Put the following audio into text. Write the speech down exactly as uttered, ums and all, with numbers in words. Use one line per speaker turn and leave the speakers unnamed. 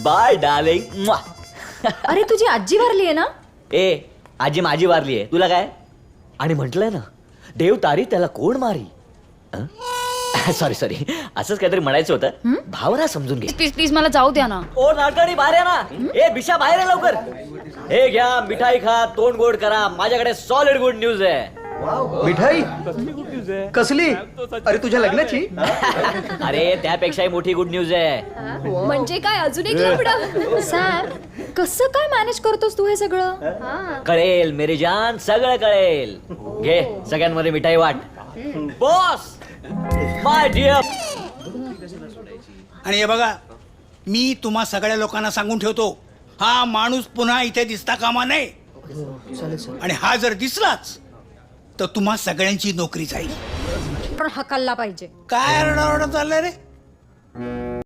Bye darling.
अरे तुझी आजी वारली आहे ना.
ए आजी माझी वारली आहे, तुला काय? आणि म्हटलंय ना, देव तारी त्याला कोण मारी. सॉरी सॉरी असंच काहीतरी म्हणायचं होतं. भावना समजून घे.
प्लीज प्लीज मला जाऊ द्या ना.
ओ नाटकडी बाहेर या ना. ए बिशा बाहेर आहे लवकर. हे घ्या मिठाई खा, तोंड गोड करा. माझ्याकडे सॉलिड गुड न्यूज आहे.
मिठाई कसली? अरे तुझ्या लग्नाची?
अरे त्यापेक्षाही मोठी गुड न्यूज आहे.
म्हणजे काय अजून एक लफडं? सॅम कसं काय मॅनेज करतोस तू हे सगळं?
कळेल मेरी जान, सगळं कळेल. घे सगळ्यांमध्ये मिठाई वाट. Boss my dear.
आणि हे बघा, मी तुम्हा सगळ्या लोकांना सांगून ठेवतो, हा माणूस पुन्हा इथे दिसता कामा नये. आणि हा जर दिसलाच तर तुम्हा सगळ्यांची नोकरी जाईल.
पण हकलला पाहिजे.
काय आरडाओरडा चाललाय रे?